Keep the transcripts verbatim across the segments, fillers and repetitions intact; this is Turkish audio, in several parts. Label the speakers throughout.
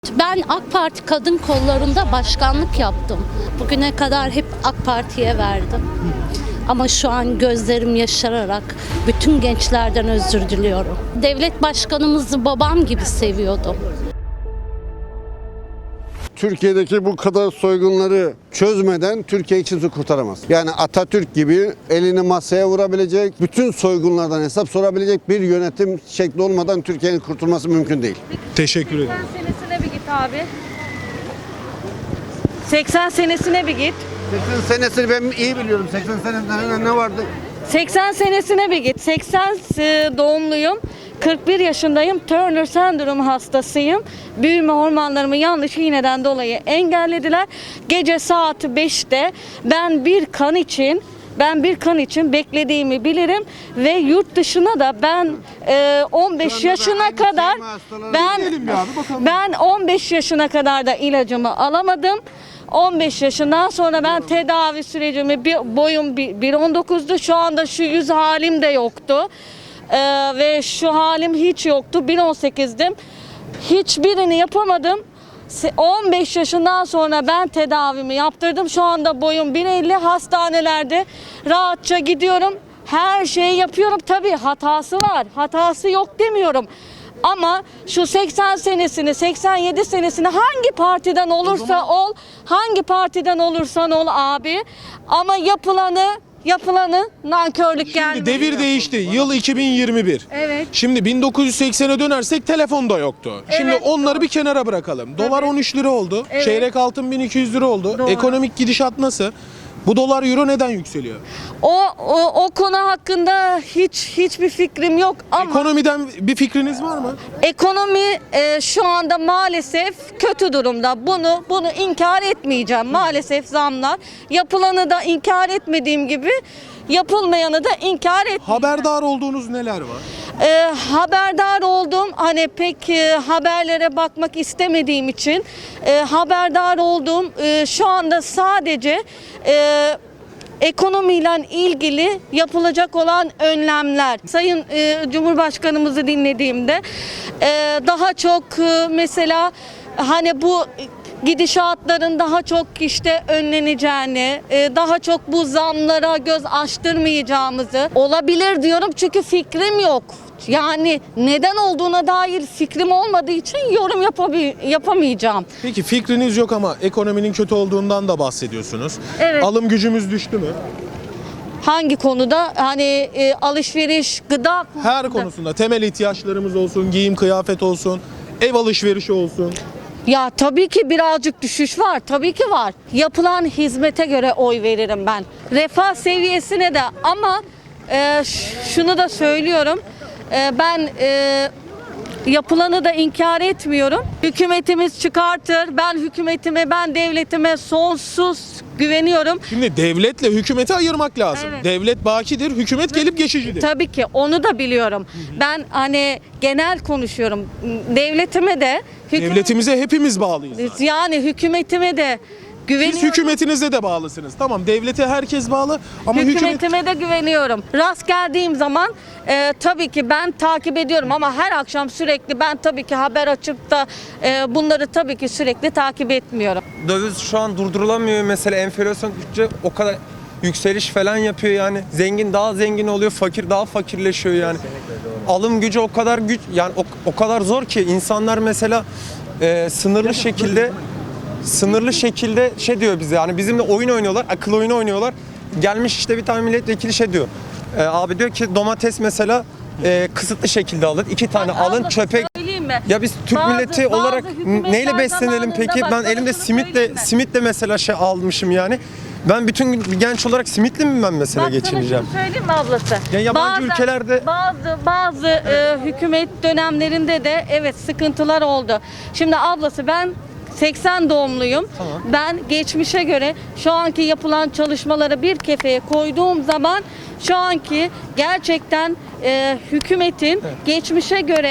Speaker 1: Ben AK Parti kadın kollarında başkanlık yaptım. Bugüne kadar hep AK Parti'ye verdim. Ama şu an gözlerim yaşararak bütün gençlerden özür diliyorum. Devlet başkanımızı babam gibi seviyordum.
Speaker 2: Türkiye'deki bu kadar soygunları çözmeden Türkiye kimse kurtaramaz. Yani Atatürk gibi elini masaya vurabilecek, bütün soygunlardan hesap sorabilecek bir yönetim şekli olmadan Türkiye'nin kurtulması mümkün değil.
Speaker 3: Teşekkür ederim.
Speaker 4: seksen senesine bir git abi. seksen senesine bir git.
Speaker 2: seksen senesini ben iyi biliyorum. seksen senesinde ne vardı?
Speaker 4: seksen senesine bir git. seksen doğumluyum. kırk bir yaşındayım. Turner sendromu hastasıyım. Büyüme hormonlarımı yanlış iğneden dolayı engellediler. Gece saat beşte ben bir kan için Ben bir kan için beklediğimi bilirim ve yurt dışına da ben e, on beş yaşına kadar ben ben on beş yaşına kadar da ilacımı alamadım. on beş yaşından sonra ben tedavi sürecimi bir, boyum bir on dokuzdu. Şu anda şu yüz halim de yoktu. Ee, ve şu halim hiç yoktu. bir on sekizdim. Hiçbirini yapamadım. on beş yaşından sonra ben tedavimi yaptırdım. Şu anda boyum bir elli, hastanelerde rahatça gidiyorum. Her şeyi yapıyorum. Tabii hatası var. Hatası yok demiyorum. Ama şu seksen senesini, seksen yedi senesini hangi partiden olursa ol, hangi partiden olursan ol abi. Ama yapılanı Yapılanı nankörlük gelmiyor.
Speaker 3: Şimdi devir değişti. Yıl iki bin yirmi bir.
Speaker 4: Evet.
Speaker 3: Şimdi bin dokuz yüz seksene dönersek telefon da yoktu. Şimdi
Speaker 4: Evet.
Speaker 3: onları bir kenara bırakalım. Dolar on üç lira oldu.
Speaker 4: Evet.
Speaker 3: Çeyrek altın bin iki yüz lira oldu.
Speaker 4: Doğru.
Speaker 3: Ekonomik gidişat nasıl? Bu dolar euro neden yükseliyor?
Speaker 4: O, o o konu hakkında hiç hiçbir fikrim yok ama
Speaker 3: Ekonomiden bir fikriniz var mı?
Speaker 4: ekonomi e, şu anda maalesef kötü durumda. Bunu bunu inkar etmeyeceğim. Maalesef zamlar. Yapılanı da inkar etmediğim gibi yapılmayanı da inkar etmeyeceğim.
Speaker 3: Haberdar olduğunuz neler var?
Speaker 4: E, haberdar oldum. Hani pek e, haberlere bakmak istemediğim için e, haberdar oldum. E, şu anda sadece e, ekonomiyle ilgili yapılacak olan önlemler. Sayın e, Cumhurbaşkanımızı dinlediğimde e, daha çok e, mesela hani bu gidişatların daha çok işte önleneceğini, e, daha çok bu zamlara göz açtırmayacağımızı olabilir diyorum çünkü fikrim yok. Yani neden olduğuna dair fikrim olmadığı için yorum yapabi- yapamayacağım.
Speaker 3: Peki fikriniz yok ama ekonominin kötü olduğundan da bahsediyorsunuz.
Speaker 4: Evet.
Speaker 3: Alım gücümüz düştü mü?
Speaker 4: Hangi konuda? Hani e, alışveriş, gıda
Speaker 3: Her konusunda temel ihtiyaçlarımız olsun, giyim kıyafet olsun, ev alışverişi olsun.
Speaker 4: Ya tabii ki birazcık düşüş var. Tabii ki var. Yapılan hizmete göre oy veririm ben. Refah seviyesine de ama e, ş- şunu da söylüyorum. E, ben e, yapılanı da inkar etmiyorum. Hükümetimiz çıkartır. Ben hükümetime, ben devletime sonsuz güveniyorum.
Speaker 3: Şimdi devletle hükümeti ayırmak lazım.
Speaker 4: Evet.
Speaker 3: Devlet bakidir, hükümet gelip geçicidir.
Speaker 4: Tabii ki onu da biliyorum. Ben hani genel konuşuyorum. Devletime de hükümet-
Speaker 3: Devletimize hepimiz bağlıyız zaten.
Speaker 4: yani hükümetime de güveniyorum.
Speaker 3: Siz hükümetinize de bağlısınız. Tamam, devlete herkes bağlı ama hükümet...
Speaker 4: Hükümetime de güveniyorum. Rast geldiğim zaman e, tabii ki ben takip ediyorum ama her akşam sürekli ben tabii ki haber açıp da e, bunları tabii ki sürekli takip etmiyorum.
Speaker 5: Döviz şu an durdurulamıyor mesela, enflasyon düştükçe o kadar yükseliş falan yapıyor yani. Zengin daha zengin oluyor, fakir daha fakirleşiyor yani. Alım gücü o kadar güç yani o, o kadar zor ki insanlar mesela e, sınırlı şekilde sınırlı şekilde şey diyor bize, yani bizimle oyun oynuyorlar, akıl oyunu oynuyorlar. Gelmiş işte bir tane milletvekili şey diyor. E, abi diyor ki domates mesela e, kısıtlı şekilde alın. iki tane alın
Speaker 4: Abla,
Speaker 5: çöpe.
Speaker 4: söyleyeyim mi?
Speaker 5: Ya biz Türk
Speaker 4: Bazı-
Speaker 5: milleti
Speaker 4: bazı
Speaker 5: olarak
Speaker 4: hükümetler
Speaker 5: neyle beslenelim
Speaker 4: zamanında
Speaker 5: peki?
Speaker 4: bak,
Speaker 5: Ben
Speaker 4: sana
Speaker 5: elimde
Speaker 4: şunu
Speaker 5: simitle
Speaker 4: söyleyeyim mi?
Speaker 5: simitle mesela şey almışım yani. Ben bütün gün bir genç olarak simitli mi ben mesela
Speaker 4: Bak sana
Speaker 5: geçineceğim?
Speaker 4: şunu söyleyeyim mi ablası?
Speaker 5: Ya yabancı ülkelerde-
Speaker 4: bazı bazı e, hükümet dönemlerinde de evet sıkıntılar oldu. Şimdi ablası ben seksen doğumluyum.
Speaker 5: Tamam.
Speaker 4: Ben geçmişe göre şu anki yapılan çalışmaları bir kefeye koyduğum zaman şu anki gerçekten e, hükümetin geçmişe göre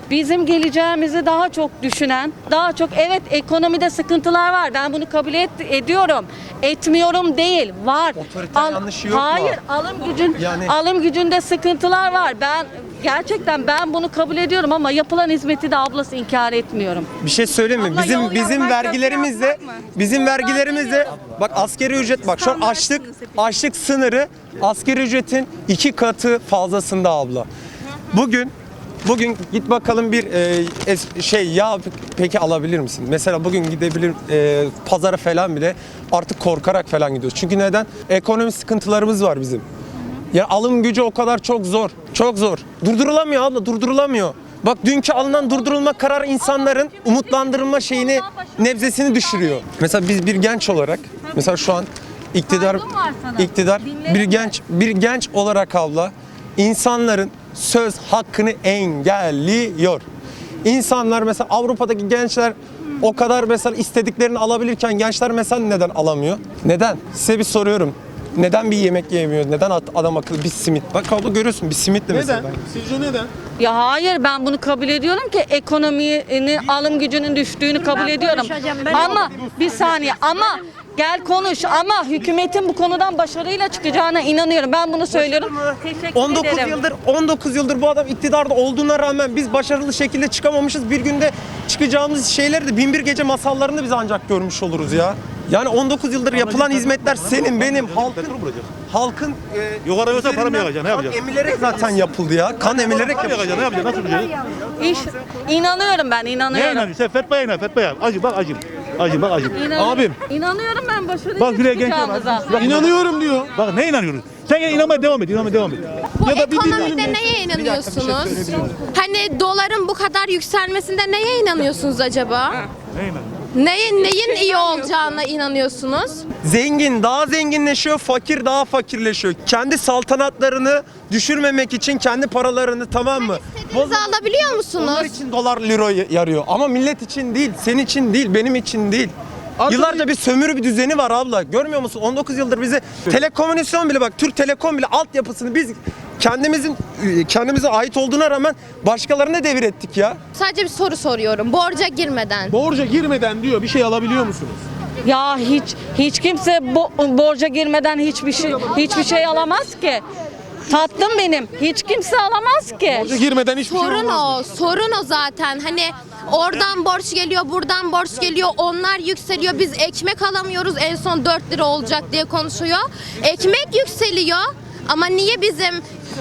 Speaker 4: bizim geleceğimizi daha çok düşünen, daha çok evet ekonomide sıkıntılar var. Ben bunu kabul et, ediyorum. Etmiyorum değil. Var.
Speaker 5: Otoriter yanlışı yok mu?
Speaker 4: Hayır, alım gücün
Speaker 5: Yani-
Speaker 4: alım gücünde sıkıntılar var. Ben gerçekten ben bunu kabul ediyorum ama yapılan hizmeti de ablası inkar etmiyorum.
Speaker 5: Bir şey söyleyeyim mi?
Speaker 4: Abla,
Speaker 5: Bizim
Speaker 4: yol
Speaker 5: bizim
Speaker 4: yapmak,
Speaker 5: vergilerimizle
Speaker 4: köprü yapmak mı?
Speaker 5: bizim vergilerimizle bak asgari ücret bak şu an açlık açlık sınırı asgari ücretin iki katı fazlasında abla. Bugün Bugün git bakalım bir e, es- şey ya peki alabilir misin? Mesela bugün gidebilir e, pazara falan bile artık korkarak falan gidiyoruz. Çünkü neden? Ekonomi sıkıntılarımız var bizim. Ya alım gücü o kadar çok zor. Çok zor. Durdurulamıyor abla, durdurulamıyor. Bak dünkü alınan durdurulma kararı insanların umutlandırılma şeyini, nebzesini düşürüyor. Mesela biz bir genç olarak, mesela şu an iktidar
Speaker 4: Saygım var sana.
Speaker 5: iktidar
Speaker 4: Dinlerim
Speaker 5: bir
Speaker 4: de.
Speaker 5: genç bir genç olarak abla insanların söz hakkını engelliyor. İnsanlar mesela Avrupa'daki gençler o kadar mesela istediklerini alabilirken gençler mesela neden alamıyor? Neden? Size bir soruyorum. Neden bir yemek yiyemiyoruz? Neden at- adam akıllı bir simit? Bak abla görüyorsun bir simitle mesela.
Speaker 3: Neden? Sizce neden?
Speaker 4: Ya hayır ben bunu kabul ediyorum ki ekonominin alım gücünün düştüğünü kabul ediyorum. Ama bir saniye ama gel konuş ama hükümetin bu konudan başarıyla çıkacağına inanıyorum. Ben bunu söylüyorum. Teşekkür
Speaker 5: on dokuz
Speaker 4: ederim.
Speaker 5: yıldır on dokuz yıldır bu adam iktidarda olduğuna rağmen biz başarılı şekilde çıkamamışız. Bir günde çıkacağımız şeyleri de bin bir gece masallarında biz ancak görmüş oluruz ya. Yani on dokuz yıldır yapılan hizmetler senin benim halkın halkın e,
Speaker 6: Yukarı yoksa para mı
Speaker 5: üzerinden
Speaker 6: yakacaksın? Ne
Speaker 5: kan
Speaker 6: yapacaksın?
Speaker 5: emilerek zaten yapıldı ya. Kan emilerek
Speaker 6: Para mı
Speaker 5: yapıldı.
Speaker 6: yakacaksın? Ne yapacaksın? Nasıl yapacaksın?
Speaker 4: İş, inanıyorum ben
Speaker 6: Ne
Speaker 4: inanıyorum.
Speaker 6: inanıyorsun? Sen fetva yayınla, fetva yayın. Acı bak acım. Acım bak acım.
Speaker 4: İnanıyorum.
Speaker 3: Abim.
Speaker 4: İnanıyorum ben başarıyla
Speaker 6: Bak buraya genç
Speaker 4: çıkacağımıza.
Speaker 6: var.
Speaker 3: İnanıyorum diyor.
Speaker 6: Bak ne inanıyorsun? Sen gene inanmaya devam et, inanmaya devam et.
Speaker 7: Bu
Speaker 3: Ya da bir
Speaker 7: ekonomide
Speaker 3: dinleyelim.
Speaker 7: neye inanıyorsunuz? Hani doların bu kadar yükselmesinde neye inanıyorsunuz acaba?
Speaker 6: Ne inanıyorsun?
Speaker 7: Neyin neyin iyi olacağına inanıyorsunuz?
Speaker 5: Zengin daha zenginleşiyor, fakir daha fakirleşiyor. Kendi saltanatlarını düşürmemek için kendi paralarını tamam mı?
Speaker 7: İstediğinizi alabiliyor musunuz?
Speaker 5: Onlar için dolar euro yarıyor ama millet için değil, senin için değil, benim için değil.
Speaker 3: Artık-
Speaker 5: Yıllarca bir sömürü bir düzeni var abla. Görmüyor musun? on dokuz yıldır bizi telekomünikasyon bile bak Türk Telekom bile altyapısını biz kendimizin kendimize ait olduğuna rağmen başkalarına devir ettik ya.
Speaker 7: Sadece bir soru soruyorum. Borca girmeden.
Speaker 3: Borca girmeden diyor bir şey alabiliyor musunuz?
Speaker 4: Ya hiç hiç kimse bo- borca girmeden hiçbir şey hiçbir şey alamaz ki. Tatlım benim. Hiç kimse alamaz ki.
Speaker 3: Borca girmeden hiçbir şey
Speaker 7: Sorun
Speaker 3: olmaz.
Speaker 7: o. Sorun o zaten. Hani oradan borç geliyor, buradan borç geliyor. Onlar yükseliyor. Biz ekmek alamıyoruz. En son dört lira olacak diye konuşuyor. Ekmek yükseliyor. Ama niye bizim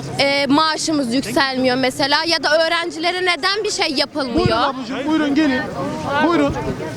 Speaker 7: e, maaşımız yükselmiyor mesela? Ya da öğrencilere neden bir şey
Speaker 3: Buyurun
Speaker 7: yapılmıyor?
Speaker 3: ablacığım buyurun gelin. Buyurun.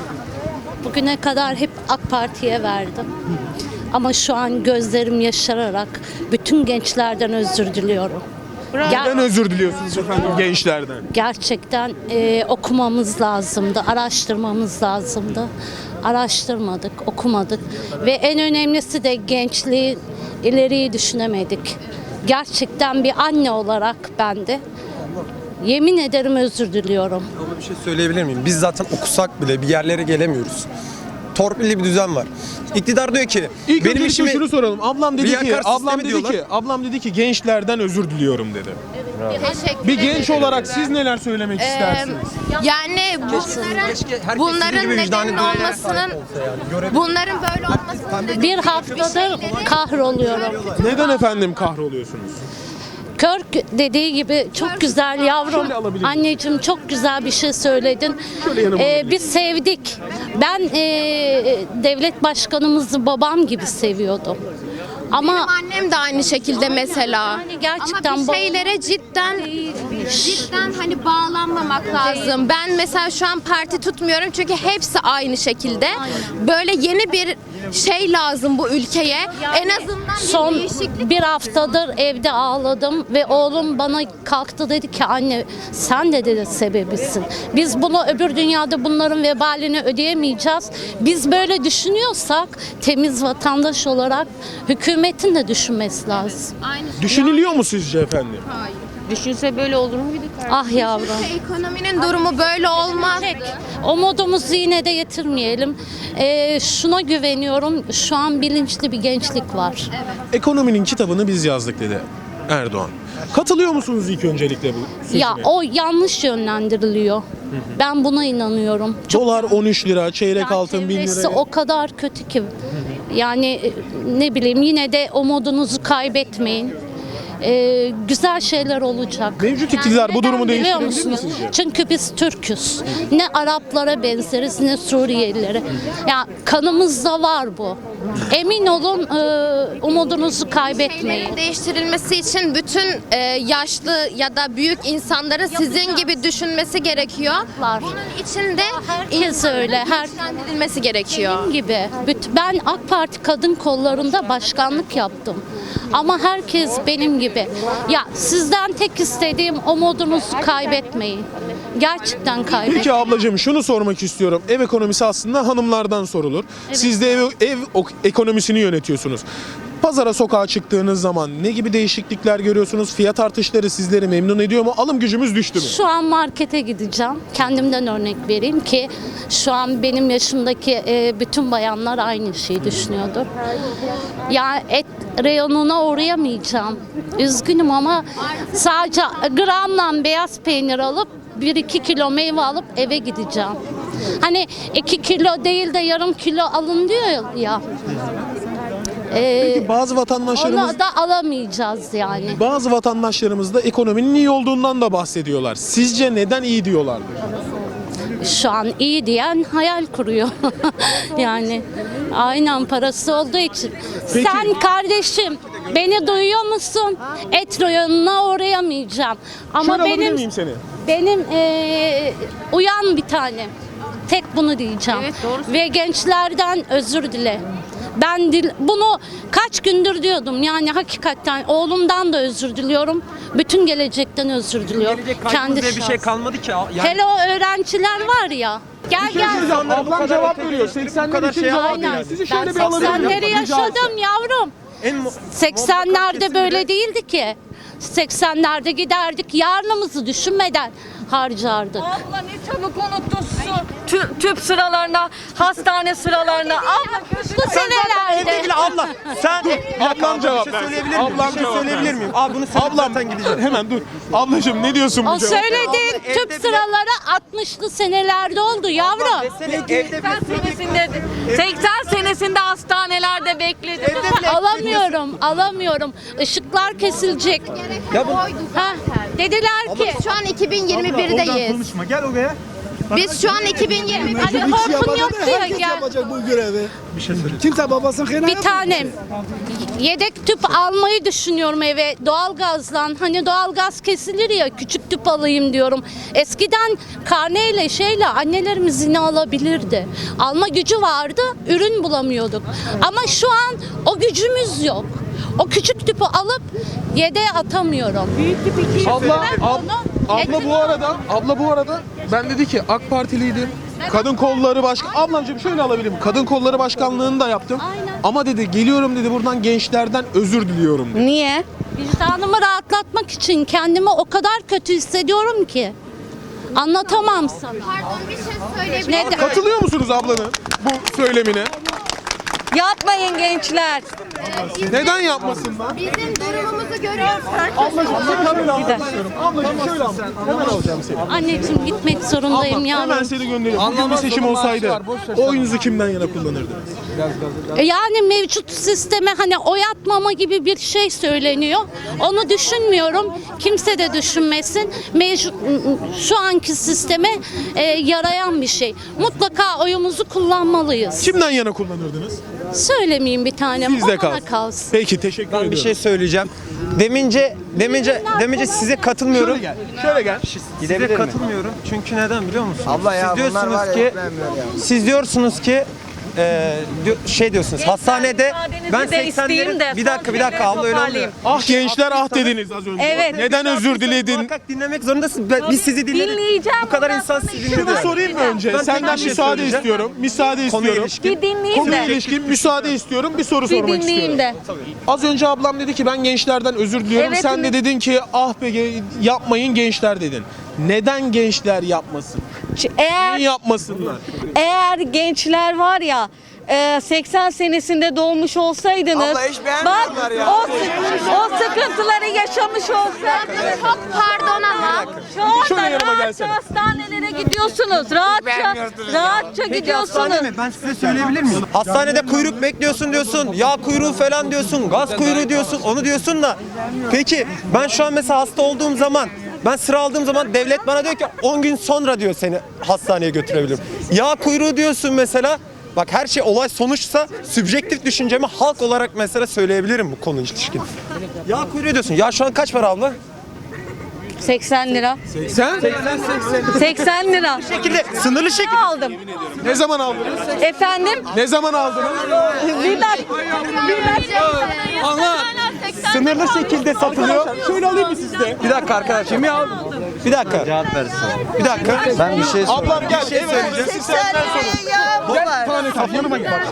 Speaker 1: Bugüne kadar hep AK Parti'ye verdim. Ama şu an gözlerim yaşararak bütün gençlerden özür diliyorum. Ger-
Speaker 3: Neden özür diliyorsunuz efendim gençlerden?
Speaker 1: gerçekten e, okumamız lazımdı, araştırmamız lazımdı. Araştırmadık, okumadık ve en önemlisi de gençliği, ileriyi düşünemedik. Gerçekten bir anne olarak ben de yemin ederim özür diliyorum.
Speaker 5: Ama bir şey söyleyebilir miyim? Biz zaten okusak bile bir yerlere gelemiyoruz. Torpilli bir düzen var. İktidar diyor ki
Speaker 3: İlk
Speaker 5: benim
Speaker 3: benim
Speaker 5: işimi
Speaker 3: şunu soralım. Ablam dedi
Speaker 5: Riyakar
Speaker 3: ki, ablam
Speaker 5: sistemi
Speaker 3: dedi
Speaker 5: diyorlar.
Speaker 3: ki, ablam dedi ki gençlerden özür diliyorum dedi.
Speaker 7: Teşekkür
Speaker 3: Bir genç
Speaker 7: ederim.
Speaker 3: olarak siz neler söylemek istersiniz?
Speaker 7: Yani bunların, bunların neden olmasının, bunların böyle olmasının nedeni
Speaker 1: Bir haftadır kahroluyorum.
Speaker 3: Neden efendim kahroluyorsunuz?
Speaker 1: Körk dediği gibi çok güzel
Speaker 3: Şöyle
Speaker 1: yavrum.
Speaker 3: alabilir miyim?
Speaker 1: Anneciğim çok güzel bir şey söyledin.
Speaker 3: Şöyle yanıma
Speaker 1: Ee,
Speaker 3: alabilir
Speaker 1: biz sevdik. Ben ee, devlet başkanımızı babam gibi seviyordum. Ama
Speaker 7: Benim annem de aynı şekilde mesela.
Speaker 1: Yani gerçekten
Speaker 7: Ama
Speaker 1: bu-
Speaker 7: bir şeylere cidden cidden hani bağlanmamak lazım. Ben mesela şu an parti tutmuyorum çünkü hepsi aynı şekilde. Böyle yeni bir şey lazım bu ülkeye. En azından bir
Speaker 1: son
Speaker 7: değişiklik.
Speaker 1: bir haftadır evde ağladım ve oğlum bana kalktı dedi ki anne sen de dedi sebebisin. Biz bunu öbür dünyada bunların vebalini ödeyemeyeceğiz. Biz böyle düşünüyorsak temiz vatandaş olarak hükümetin de düşünmesi lazım.
Speaker 7: Aynı.
Speaker 3: Düşünülüyor mu sizce efendim?
Speaker 4: Düşünse böyle olur mu bir de
Speaker 1: Ah yavrum.
Speaker 7: Ekonominin durumu böyle olmaz.
Speaker 1: O modumuzu yine de getirmeyelim. Ee, şuna güveniyorum. Şu an bilinçli bir gençlik var.
Speaker 3: Ekonominin kitabını biz yazdık dedi Erdoğan. Katılıyor musunuz ilk öncelikle bu sözüne?
Speaker 1: Ya o yanlış yönlendiriliyor. Ben buna inanıyorum. Çok
Speaker 3: Dolar on üç lira, çeyrek altın bin
Speaker 1: çevresi
Speaker 3: lira.
Speaker 1: o kadar kötü ki. Yani e, ne bileyim yine de umudunuzu kaybetmeyin. Ee, güzel şeyler olacak.
Speaker 3: Mevcut iktidar bu
Speaker 1: neden
Speaker 3: durumu
Speaker 1: biliyor
Speaker 3: değiştirebilir mi
Speaker 1: musunuz?
Speaker 3: sizce?
Speaker 1: Çünkü biz Türk'üz. Ne Araplara benzeriz ne Suriyelilere. Ya kanımızda var bu. Emin olun e, umudunuzu kaybetmeyin.
Speaker 7: Şeylerin değiştirilmesi için bütün e, yaşlı ya da büyük insanların sizin gibi düşünmesi gerekiyor.
Speaker 1: Var.
Speaker 7: Bunun için de
Speaker 1: Herkes öyle. Her
Speaker 7: güçlendirilmesi gerekiyor.
Speaker 1: Benim gibi. Büt- Ben AK Parti kadın kollarında başkanlık yaptım. Ama herkes benim gibi. Ya sizden tek istediğim umudunuzu kaybetmeyin. Gerçekten kaybetmeyin.
Speaker 3: Peki ablacığım şunu sormak istiyorum. Ev ekonomisi aslında hanımlardan sorulur. Siz de ev, ev ok- ekonomisini yönetiyorsunuz. Pazara, sokağa çıktığınız zaman ne gibi değişiklikler görüyorsunuz? Fiyat artışları sizleri memnun ediyor mu? Alım gücümüz düştü mü?
Speaker 1: Şu an markete gideceğim. Kendimden örnek vereyim ki şu an benim yaşımdaki e, bütün bayanlar aynı şeyi düşünüyordur. Ya et reyonuna uğrayamayacağım. Üzgünüm ama sadece gramla beyaz peynir alıp bir iki kilo meyve alıp eve gideceğim. Hani iki kilo değil de yarım kilo alın diyor ya. Ee,
Speaker 3: Peki bazı vatandaşlarımız
Speaker 1: onu da alamayacağız yani.
Speaker 3: bazı vatandaşlarımız da ekonominin iyi olduğundan da bahsediyorlar. Sizce neden iyi diyorlardır?
Speaker 1: Şu an iyi diyen hayal kuruyor. Yani aynen parası olduğu için.
Speaker 3: Peki.
Speaker 1: Sen kardeşim beni duyuyor musun? Et reyonuna uğrayamayacağım. Ama
Speaker 3: Şöyle alabilir
Speaker 1: benim
Speaker 3: miyim seni?
Speaker 1: benim eee, uyan bir tane. Tek bunu diyeceğim. Ve gençlerden özür dile. Ben dil, bunu kaç gündür diyordum. Yani hakikaten oğlumdan da özür diliyorum. Bütün gelecekten özür diliyorum.
Speaker 5: Gelecek kaygımız diye bir şey
Speaker 1: şahsım.
Speaker 5: kalmadı ki. Yani
Speaker 1: Hele o öğrenciler var ya. Gel gel.
Speaker 5: insanlar bu
Speaker 3: Ablam
Speaker 5: kadar
Speaker 3: cevap
Speaker 5: öteki,
Speaker 3: veriyor.
Speaker 5: bu
Speaker 3: seksenler
Speaker 5: kadar
Speaker 3: için
Speaker 5: şey
Speaker 3: cevap
Speaker 5: yapmadı
Speaker 3: veriyor.
Speaker 5: yani.
Speaker 3: Sizi
Speaker 1: Ben
Speaker 3: şöyle bir alabilir miyim?
Speaker 1: seksenleri
Speaker 3: Rica etsem.
Speaker 1: yaşadım yavrum.
Speaker 5: En mu-
Speaker 1: seksenlerde
Speaker 5: kesimde-
Speaker 1: böyle değildi ki. seksenlerde giderdik yarınımızı düşünmeden harcardık.
Speaker 4: Abla ne çabuk unuttun su. Tü- tüp sıralarına, hastane sıralarına. Abla
Speaker 1: Bu senelerde.
Speaker 5: Bile abla sen
Speaker 3: Ablam cevap
Speaker 5: bir şey
Speaker 3: versin.
Speaker 5: söyleyebilir miyim?
Speaker 3: Ablam
Speaker 5: Bir şey
Speaker 3: cevap
Speaker 5: söyleyebilir
Speaker 3: versin.
Speaker 5: miyim? Abi bunu söyleyip
Speaker 3: Ablam
Speaker 5: zaten gideceğim.
Speaker 3: hemen dur. Ablacığım ne diyorsun bu
Speaker 1: O
Speaker 3: cevaba?
Speaker 1: söylediğin
Speaker 5: Abla,
Speaker 1: tüp
Speaker 5: evde bile-
Speaker 1: sıraları altmışlı senelerde oldu yavrum.
Speaker 5: Desene, evde
Speaker 4: seksen senesinde seksen senesinde hastanelerde bekledim.
Speaker 1: Alamıyorum, alamıyorum. Işıklar kesilecek.
Speaker 5: Ya bu
Speaker 1: Ha, dediler ki
Speaker 7: Şu an iki bin yirmi birdeyiz.
Speaker 6: Konuşma gel oraya.
Speaker 7: Biz şu an iki bin yirmi bir.
Speaker 1: hani korkun yok diye
Speaker 8: Herkes
Speaker 1: gel.
Speaker 8: yapacak bu görevi. Bir şey söyle. Kimse babasının kıyına
Speaker 1: Bir tanem yedek tüp almayı düşünüyorum eve doğalgazdan. Hani doğalgaz kesilir ya küçük tüp alayım diyorum. Eskiden karneyle şeyle annelerimiz yine alabilirdi. Alma gücü vardı, ürün bulamıyorduk. Ama şu an o gücümüz yok. O küçük tüpü alıp yedeğe atamıyorum.
Speaker 3: Abla,
Speaker 1: Ben
Speaker 3: ab-
Speaker 1: onu
Speaker 3: abla
Speaker 1: etini
Speaker 3: bu arada, abla bu arada ben dedi ki AK Partiliydim. Kadın kolları baş Ablacığım şöyle alabilirim. Kadın kolları başkanlığını da yaptım.
Speaker 1: Aynen.
Speaker 3: Ama dedi geliyorum dedi buradan gençlerden özür diliyorum dedi.
Speaker 4: Niye?
Speaker 1: vicdanımı rahatlatmak için kendimi o kadar kötü hissediyorum ki. Anlatamam sana.
Speaker 7: Pardon bir şey söyleyebilir miyim?
Speaker 1: Neden?
Speaker 3: Katılıyor musunuz ablanın bu söylemine?
Speaker 4: Yapmayın gençler.
Speaker 3: Neden yapmasınlar?
Speaker 7: Bizim durumumuzu görüyorsun.
Speaker 3: Ablacığım bir kamera almak istiyorum. Ablacığım şöyle al. Hemen alacağım seni.
Speaker 1: Anneciğim gitmek zorundayım
Speaker 3: Ablam,
Speaker 1: yavrum.
Speaker 3: hemen seni gönderiyorum. Bugün bir seçim olsaydı oyunuzu kimden yana kullanırdınız?
Speaker 1: E Yani mevcut sisteme hani oy atmama gibi bir şey söyleniyor. Onu düşünmüyorum. Kimse de düşünmesin. Mevcut şu anki sisteme e, yarayan bir şey. Mutlaka oyumuzu kullanmalıyız.
Speaker 3: Kimden yana kullanırdınız?
Speaker 1: Söylemeyeyim bir tanem.
Speaker 3: Sizde
Speaker 1: o bana
Speaker 3: kalsın.
Speaker 1: kalsın.
Speaker 3: Peki teşekkür ediyorum.
Speaker 5: ben bir şey söyleyeceğim. Demince demince demince size katılmıyorum.
Speaker 3: Şöyle gel. Şöyle gel.
Speaker 5: Size katılmıyorum. Çünkü neden biliyor musunuz?
Speaker 8: Abla ya,
Speaker 5: siz
Speaker 8: bunlar
Speaker 5: diyorsunuz
Speaker 8: var ya,
Speaker 5: ki
Speaker 8: etmemiyor ya.
Speaker 5: siz diyorsunuz ki e, diyor- şey diyorsunuz hastanede
Speaker 4: müsaadenizi
Speaker 5: ben
Speaker 4: de isteyeyim
Speaker 5: seksenlerin
Speaker 4: de
Speaker 5: bir dakika bir dakika abla öyle olmuyor.
Speaker 4: toparlayayım.
Speaker 3: Ah gençler ah dediniz az önce.
Speaker 4: Evet.
Speaker 3: Neden özür diledin?
Speaker 5: Muhakkak dinlemek zorundasın. Ben- Biz sizi dinledik.
Speaker 4: Dinleyeceğim,
Speaker 5: Bu kadar
Speaker 4: ondan
Speaker 5: insan
Speaker 4: sonra
Speaker 5: sizi
Speaker 4: işim
Speaker 5: dinledi.
Speaker 3: Şunu sorayım mı önce?
Speaker 5: Ben tek
Speaker 3: Senden
Speaker 5: bir şey
Speaker 3: müsaade
Speaker 5: söyleyeceğim.
Speaker 3: istiyorum. Müsaade
Speaker 5: Konuya
Speaker 3: istiyorum.
Speaker 5: ilişkin.
Speaker 4: Bir dinleyeyim
Speaker 3: Konuya
Speaker 4: de.
Speaker 3: ilişkin müsaade istiyorum. Bir soru
Speaker 4: Bir
Speaker 3: sormak
Speaker 4: dinleyeyim
Speaker 3: istiyorum.
Speaker 4: de.
Speaker 3: Az önce ablam dedi ki ben gençlerden özür diliyorum.
Speaker 4: Evet,
Speaker 3: Sen de
Speaker 4: mi?
Speaker 3: dedin ki ah be ge- yapmayın gençler dedin. Neden gençler yapmasın?
Speaker 4: Eğer
Speaker 3: Niye yapmasınlar?
Speaker 4: eğer gençler var ya e, seksen senesinde doğmuş olsaydınız,
Speaker 5: Abla hiç
Speaker 4: bak
Speaker 5: beğenmiyorlar ya.
Speaker 4: o, o sıkıntıları yaşamış olsaydınız.
Speaker 7: Çok pardon ama.
Speaker 4: Şu
Speaker 3: Şöyle
Speaker 4: anda
Speaker 3: yanıma
Speaker 4: rahatça
Speaker 3: gelsene.
Speaker 4: hastanelere gidiyorsunuz. Rahatça, rahatça gidiyorsunuz.
Speaker 5: Ben size söyleyebilir miyim? Hastanede kuyruk bekliyorsun diyorsun, yağ kuyruğu falan diyorsun, gaz kuyruğu diyorsun, onu diyorsun da. Peki ben şu an mesela hasta olduğum zaman, ben sıra aldığım zaman devlet bana diyor ki on gün sonra diyor seni hastaneye götürebilirim. Yağ kuyruğu diyorsun mesela. Bak her şey olay sonuçsa sübjektif düşüncemi halk olarak mesela söyleyebilirim bu konu ilişkin. Yağ kuyruğu diyorsun. Ya şu an kaç para abla?
Speaker 4: seksen lira.
Speaker 3: Sen
Speaker 4: seksen lira.
Speaker 5: Bu şekilde sınırlı şekilde.
Speaker 4: Aldım.
Speaker 3: ne zaman aldınız?
Speaker 4: Efendim?
Speaker 3: Ne zaman aldınız?
Speaker 4: Bir dakika. Bir dakika.
Speaker 5: Ama sınırlı şekilde satılıyor.
Speaker 3: Şöyle alayım mı sizde?
Speaker 5: Bir dakika arkadaşlar. Kimi aldın? Bir dakika. Cevap versin. Bir dakika. Ben bir şey
Speaker 3: Ablam gel. Evet. Siz senden sorun. Gel tane kap yanıma gel.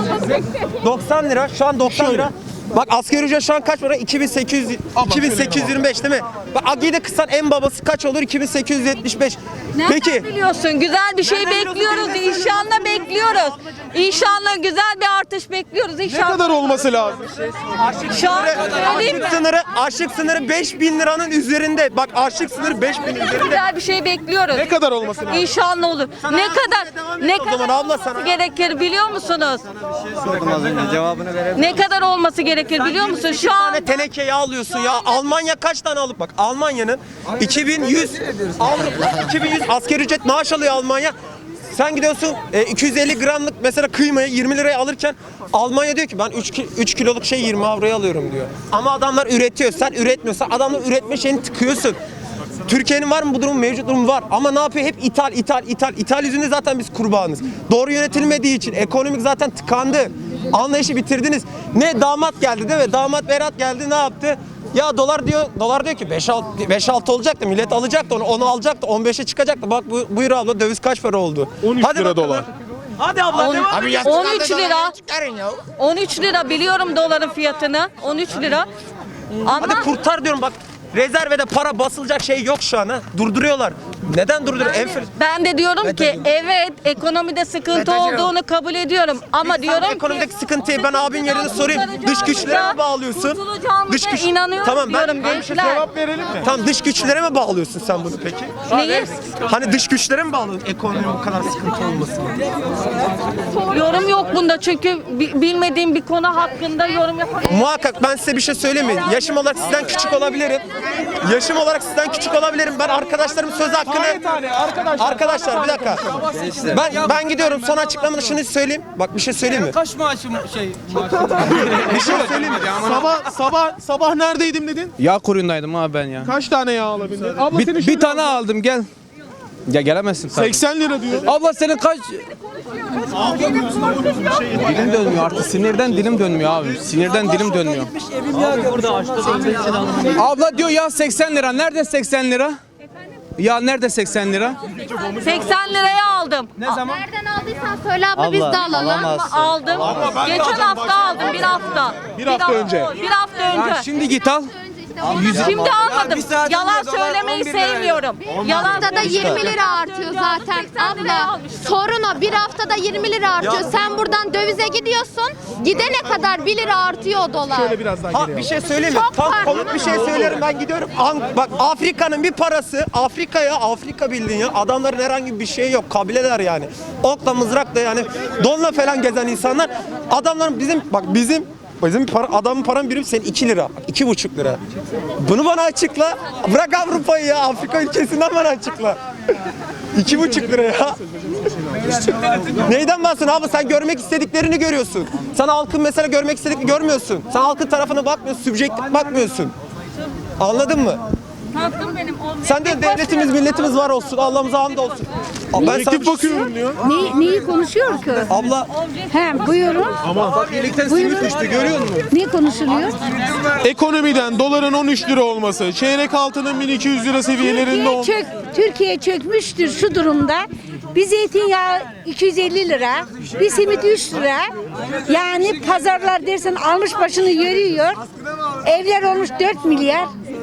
Speaker 5: doksan lira. Şu an doksan lira. Bak asgari ücret şu an kaç para? iki bin sekiz yüz iki bin sekiz yüz yirmi beş değil mi? Bak Agi'de kısan en babası kaç olur? iki bin sekiz yüz yetmiş beş. Peki.
Speaker 4: Biliyorsun güzel bir şey
Speaker 5: Nereden
Speaker 4: bekliyoruz.
Speaker 5: biliyorsun?
Speaker 4: İnşallah bekliyoruz. İnşallah güzel bir artış bekliyoruz.
Speaker 3: Ne
Speaker 4: İnşallah.
Speaker 3: kadar olması lazım?
Speaker 4: Şu an söyleyeyim mi?
Speaker 5: Açlık sınırı, açlık sınırı beş bin liranın üzerinde. Bak açlık sınırı beş bin üzerinde.
Speaker 3: Güzel
Speaker 4: bir şey bekliyoruz.
Speaker 3: Ne kadar olması lazım?
Speaker 4: İnşallah olur. Ne kadar ne
Speaker 5: O zaman
Speaker 4: kadar
Speaker 5: abla
Speaker 4: olması
Speaker 5: sana-
Speaker 4: gerekir biliyor musunuz?
Speaker 5: Sordum az önce cevabını verebilirim.
Speaker 4: Ne kadar olması gerekir biliyor musun? Şu an
Speaker 5: tane tenekeyi alıyorsun ya. Almanya kaç tane alıp bak Almanya'nın iki bin yüz Avrupa iki bin yüz asgari ücret maaş alıyor Almanya. Sen gidiyorsun e, iki yüz elli gramlık mesela kıymayı yirmi liraya alırken Almanya diyor ki ben üç kiloluk şey yirmi avroya alıyorum diyor. Ama adamlar üretiyor. Sen üretmiyorsan adamlar üretme şeyini tıkıyorsun. Türkiye'nin var mı bu durum? Mevcut durum var. Ama ne yapıyor? Hep ithal, ithal, ithal. İthal yüzünden zaten biz kurbanız. Doğru yönetilmediği için ekonomik zaten tıkandı. Anlayışı bitirdiniz. Ne damat geldi değil mi? Damat Berat geldi ne yaptı? Ya dolar diyor, dolar diyor ki beş altı olacaktı. Millet alacaktı onu, onu alacaktı. on beşe çıkacaktı. Bak bu, buyur abla döviz kaç para oldu?
Speaker 3: on üç
Speaker 5: Hadi
Speaker 3: lira
Speaker 5: bakalım.
Speaker 3: dolar.
Speaker 5: Hadi abla devam.
Speaker 4: on üç lira. on üç lira biliyorum doların fiyatını. on üç lira. Ama
Speaker 5: Hadi kurtar diyorum bak. Rezervede para basılacak şey yok şu an ha. Durduruyorlar. Neden durduruyor? Enflasyon.
Speaker 4: ben de diyorum ki evet ekonomide sıkıntı olduğunu kabul ediyorum ama diyorum ki
Speaker 5: Ekonomideki sıkıntıyı ben abin yerine sorayım. Dış güçlere mi bağlıyorsun?
Speaker 4: Kurtulacağımıza inanıyorum
Speaker 5: Tamam ben,
Speaker 4: diyorum
Speaker 5: ben
Speaker 4: gençler.
Speaker 3: Cevap verelim mi?
Speaker 5: Tamam dış güçlere mi bağlıyorsun sen bunu peki?
Speaker 4: Neyi?
Speaker 5: Hani dış güçlere mi bağlıyorsun ekonominin bu kadar sıkıntı olmasını?
Speaker 4: Yorum yok bunda çünkü bi- bilmediğim bir konu hakkında yorum yapamıyorum.
Speaker 5: Muhakkak ben size bir şey söyleyeyim mi? Yaşım olarak sizden küçük olabilirim. Yaşım olarak sizden küçük olabilirim. Ben arkadaşlarım söz hakkını...
Speaker 3: Tane tane arkadaşlar.
Speaker 5: Arkadaşlar bir dakika. Ben ben gidiyorum son açıklamada şunu söyleyeyim. Bak bir şey söyleyeyim mi?
Speaker 9: Kaç maaşım şey
Speaker 5: Bir şey söyleyeyim mi?
Speaker 3: Sabah sabah sabah neredeydim dedin?
Speaker 9: Yağ kuyruğundaydım abi ben ya.
Speaker 3: Kaç tane yağ alabildin? Abla
Speaker 9: Bir,
Speaker 3: senin
Speaker 9: bir
Speaker 3: şöyle-
Speaker 9: tane aldım gel. Ya gelemezsin tabii.
Speaker 3: seksen lira diyor.
Speaker 9: Abla senin kaç... Dilim dönmüyor artık sinirden dilim dönmüyor abi. Sinirden dilim dönmüyor. Abla diyor ya seksen lira. Nerede seksen lira? Ya nerede seksen lira?
Speaker 4: seksen liraya aldım.
Speaker 9: Ne zaman?
Speaker 7: Nereden aldıysan söyle abla, biz de alalım.
Speaker 4: Aldım. Geçen hafta aldım bir hafta.
Speaker 3: Bir hafta önce.
Speaker 4: Bir hafta önce.
Speaker 9: Şimdi git al.
Speaker 4: Şimdi almadım. Yalan söylemeyi sevmiyorum. Yalan
Speaker 7: Haftada yirmi lira artıyor zaten abla. Sorun o, bir haftada yirmi lira artıyor. Sen buradan dövize gidiyorsun. Gidene kadar bir lira artıyor o dolar.
Speaker 3: Şöyle biraz daha
Speaker 5: Ha,
Speaker 3: geriye
Speaker 5: bir
Speaker 3: al.
Speaker 5: şey söyleyeyim mi?
Speaker 7: Çok
Speaker 5: Tam
Speaker 7: farklı.
Speaker 5: komik bir şey söylerim ben gidiyorum. An- bak Afrika'nın bir parası Afrika'ya Afrika bildiğin ya adamların herhangi bir şeyi yok kabileler yani. Okla mızrakla yani donla falan gezen insanlar adamların bizim bak bizim Bizim para, adamın param birim senin iki lira, iki buçuk lira. Bunu bana açıkla. Bırak Avrupa'yı ya, Afrika ülkesinden bana açıkla. İki buçuk lira ya. Neyden bahsediyorsun abi? Sen görmek istediklerini görüyorsun. Sen halkın mesela görmek istediklerini görmüyorsun. Sen halkın tarafına bakmıyorsun, sübjektif bakmıyorsun. Anladın mı?
Speaker 4: Hakkım benim. O-
Speaker 5: Sen de devletimiz, milletimiz var olsun. Allah'ımıza hamd olsun. Ben sana bir
Speaker 3: Ekip
Speaker 5: şey-
Speaker 3: bakıyorum diyor.
Speaker 10: Ne, neyi konuşuyor ki?
Speaker 5: Abla
Speaker 10: He, buyurun. Buyurun.
Speaker 9: Görüyor musun?
Speaker 10: Ne konuşuluyor?
Speaker 3: Ekonomiden doların on üç lira olması, çeyrek altının bin iki yüz lira seviyelerinde
Speaker 10: Türkiye,
Speaker 3: olması.
Speaker 10: çök, Türkiye çökmüştür şu durumda. Bir zeytinyağı iki yüz elli lira, bir simit üç lira. Yani pazarlar dersen almış başını yürüyor. Evler olmuş dört milyar.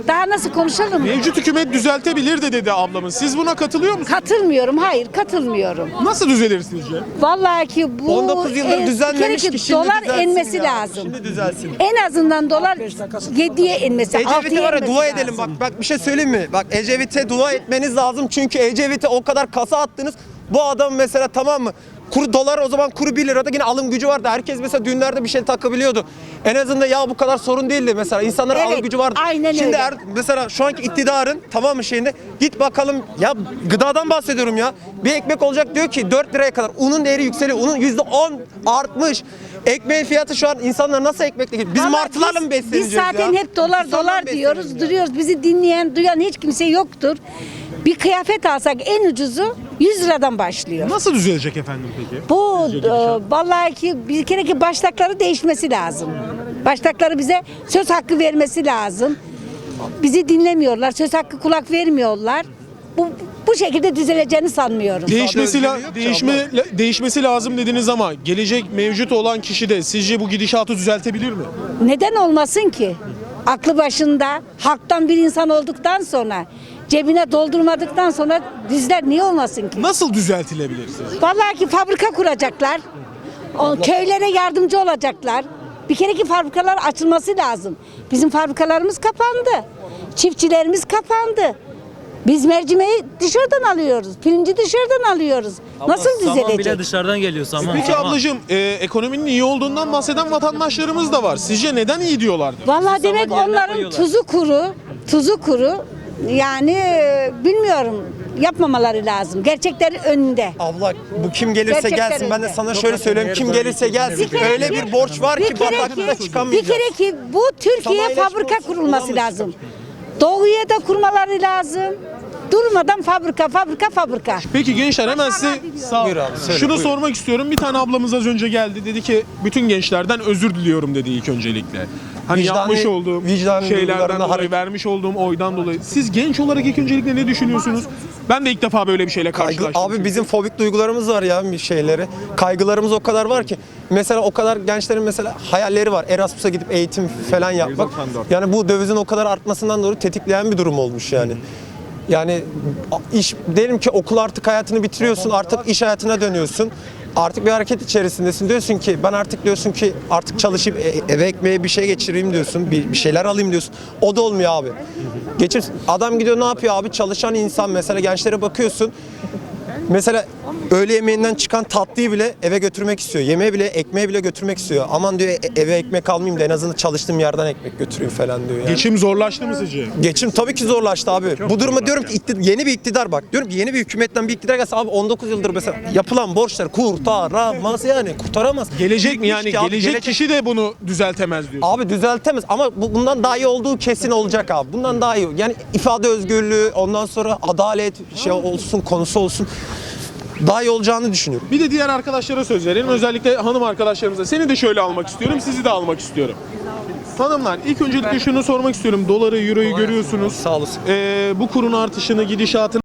Speaker 10: Daha nasıl konuşalım?
Speaker 3: Mevcut hükümet düzeltebilir de dedi ablamız. Siz buna katılıyor musunuz?
Speaker 10: Katılmıyorum. Hayır, katılmıyorum.
Speaker 3: Nasıl düzelir sizce?
Speaker 10: Vallahi ki bu
Speaker 5: on dokuz yıldır
Speaker 10: e,
Speaker 5: düzenlemiş
Speaker 10: bir kere
Speaker 5: ki şimdi
Speaker 10: dolar
Speaker 5: düzelsin
Speaker 10: inmesi
Speaker 5: ya.
Speaker 10: lazım.
Speaker 5: Şimdi düzelsin.
Speaker 10: En azından dolar yediye inmesi,
Speaker 5: Ecevit'e
Speaker 10: altıya
Speaker 5: var ya
Speaker 10: inmesi
Speaker 5: dua
Speaker 10: lazım.
Speaker 5: edelim bak bak bir şey söyleyeyim mi? Bak Ecevit'e dua etmeniz lazım çünkü Ecevit'e o kadar kasa attınız. Bu adam mesela tamam mı? Kuru dolar o zaman kuru bir lirada yine alım gücü vardı. Herkes mesela düğünlerde bir şey takabiliyordu. En azından ya bu kadar sorun değildi mesela. İnsanların
Speaker 10: Evet,
Speaker 5: alım gücü vardı.
Speaker 10: aynen
Speaker 5: Şimdi
Speaker 10: öyle.
Speaker 5: er- mesela şu anki iktidarın tamam mı şeyinde git bakalım ya gıdadan bahsediyorum ya. Bir ekmek olacak diyor ki dört liraya kadar. Unun değeri yükseliyor. Unun yüzde on artmış. Ekmeğin fiyatı şu an insanlar nasıl ekmekle gidiyor? Biz
Speaker 10: Vallahi
Speaker 5: martılarla
Speaker 10: biz-
Speaker 5: mı besleneceğiz
Speaker 10: Biz zaten
Speaker 5: ya?
Speaker 10: hep dolar
Speaker 5: İnsanlarla
Speaker 10: dolar
Speaker 5: mı
Speaker 10: diyoruz,
Speaker 5: besleneceğiz?
Speaker 10: duruyoruz. Bizi dinleyen, duyan hiç kimse yoktur. Bir kıyafet alsak en ucuzu yüz liradan başlıyor.
Speaker 3: Nasıl düzelecek efendim peki?
Speaker 10: Bu e, vallahi ki bir kere ki baştakları değişmesi lazım. Baştakları bize söz hakkı vermesi lazım. Bizi dinlemiyorlar, söz hakkı kulak vermiyorlar. Bu bu şekilde düzeleceğini sanmıyorum.
Speaker 3: Değişmesi, la-
Speaker 5: özgürlüğü yok ki
Speaker 3: değişme, la- değişmesi lazım dediniz ama gelecek mevcut olan kişi de sizce bu gidişatı düzeltebilir mi?
Speaker 10: Neden olmasın ki? Aklı başında, halktan bir insan olduktan sonra, cebine doldurmadıktan sonra düzler niye olmasın ki?
Speaker 3: Nasıl düzeltilebilir sizce?
Speaker 10: Vallahi ki fabrika kuracaklar. O köylere yardımcı olacaklar. Bir kere ki fabrikalar açılması lazım. Bizim fabrikalarımız kapandı. Çiftçilerimiz kapandı. Biz mercimeği dışarıdan alıyoruz. Pirinci dışarıdan alıyoruz. Nasıl
Speaker 11: Saman bile
Speaker 10: düzelecek?
Speaker 11: dışarıdan geliyor saman.
Speaker 3: Peki
Speaker 11: saman.
Speaker 3: ablacığım e, ekonominin iyi olduğundan bahseden vatandaşlarımız da var. Sizce neden iyi diyorlardır?
Speaker 10: Vallahi demek
Speaker 11: yerine
Speaker 10: onların
Speaker 11: koyuyorlar.
Speaker 10: tuzu kuru, tuzu kuru. Yani e, bilmiyorum, yapmamaları lazım. Gerçeklerin önünde.
Speaker 5: Abla bu kim gelirse
Speaker 10: Gerçekten
Speaker 5: gelsin ben de
Speaker 10: öyle.
Speaker 5: sana şöyle söyleyeyim kim gelirse gelsin öyle bir borç var
Speaker 10: Bir
Speaker 5: ki
Speaker 10: kere
Speaker 5: bataklıkta
Speaker 10: ki, bir
Speaker 5: çıkamayacağız.
Speaker 10: kere ki bu Türkiye
Speaker 5: Sanayileşme
Speaker 10: fabrika
Speaker 5: olsun,
Speaker 10: kurulması
Speaker 5: olamaz.
Speaker 10: lazım. Doğuya da kurmaları lazım. Durmadan fabrika, fabrika, fabrika.
Speaker 3: Peki gençler hemen size sağ
Speaker 5: Buyur abi, söyle,
Speaker 3: şunu
Speaker 5: buyur.
Speaker 3: sormak istiyorum. Bir tane ablamız az önce geldi. Dedi ki bütün gençlerden özür diliyorum dedi ilk öncelikle. Hani
Speaker 5: Vicdani-
Speaker 3: yapmış olduğum
Speaker 5: vicdani
Speaker 3: şeylerden
Speaker 5: duygularına
Speaker 3: dolayı,
Speaker 5: hareket-
Speaker 3: vermiş olduğum oydan dolayı. Siz genç olarak ilk öncelikle ne düşünüyorsunuz? Ben de ilk defa böyle bir şeyle
Speaker 5: Kaygı,
Speaker 3: karşılaştım.
Speaker 5: abi bizim fobik duygularımız var ya bir şeyleri. Kaygılarımız o kadar var ki. Mesela o kadar gençlerin mesela hayalleri var. Erasmus'a gidip eğitim falan yapmak. Yani bu dövizin o kadar artmasından dolayı tetikleyen bir durum olmuş yani. Yani iş diyelim ki okul artık hayatını bitiriyorsun, artık iş hayatına dönüyorsun. Artık bir hareket içerisindesin. Diyorsun ki ben artık diyorsun ki artık çalışıp e- eve ekmeğe bir şey geçireyim diyorsun. Bir, bir şeyler alayım diyorsun. O da olmuyor abi. Geçir adam gidiyor ne yapıyor abi? Çalışan insan mesela gençlere bakıyorsun. Mesela öğle yemeğinden çıkan tatlıyı bile eve götürmek istiyor. Yemeği bile, ekmeği bile götürmek istiyor. Aman diyor e- eve ekmek almayayım da en azından çalıştığım yerden ekmek götüreyim falan diyor yani.
Speaker 3: Geçim zorlaştı mı sizce?
Speaker 5: Geçim tabii ki zorlaştı abi. Bu duruma diyorum ki iktidar, yeni bir iktidar bak. Diyorum ki yeni bir hükümetten bir iktidar gelse abi on dokuz yıldır mesela yapılan borçlar kurtaramaz yani kurtaramaz.
Speaker 3: Gelecek mi yani?
Speaker 5: Ki abi,
Speaker 3: Gelecek kişi de bunu düzeltemez diyor.
Speaker 5: Abi düzeltemez ama bu, bundan daha iyi olduğu kesin olacak abi. Bundan daha iyi. Yani ifade özgürlüğü, ondan sonra adalet şey olsun, konusu olsun. Daha iyi olacağını düşünüyorum.
Speaker 3: Bir de diğer arkadaşlara söz verelim. Özellikle hanım arkadaşlarımıza. Seni de şöyle almak istiyorum, sizi de almak istiyorum. Hanımlar ilk öncelikle şunu sormak istiyorum. Doları, euroyu görüyorsunuz.
Speaker 5: Sağ olasın.
Speaker 3: Ee, bu kurun artışını, gidişatını